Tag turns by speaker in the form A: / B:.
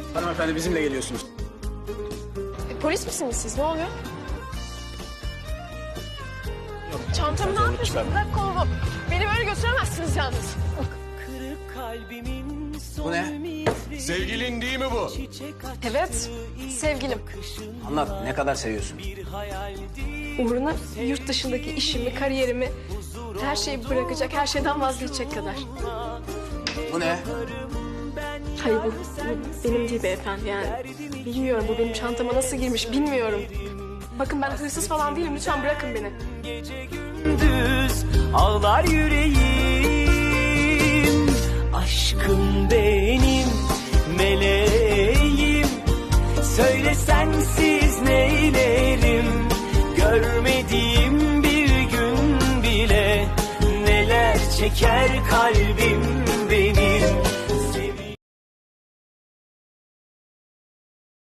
A: Hanımefendi bizimle geliyorsunuz.
B: Polis misiniz siz? Ne oluyor? Çantamı ne yapıyorsun? Bırak kolumu. Beni böyle götüremezsiniz yalnız.
A: Bu ne?
C: Sevgilin değil mi bu?
B: Evet, sevgilim.
A: Anlat, ne kadar seviyorsun?
B: Uğruna yurt dışındaki işimi, kariyerimi, her şeyi bırakacak, her şeyden vazgeçecek kadar.
A: Bu ne?
B: Hayır bu benim değil beyefendi yani. Bilmiyorum bu benim çantama nasıl girmiş bilmiyorum. Bakın ben hırsız falan değilim, lütfen bırakın beni.
D: Düz ağlar yüreğim, aşkım benim meleğim. Söyle sensiz neylerim, görmediğim bir gün bile neler çeker kalbim benim.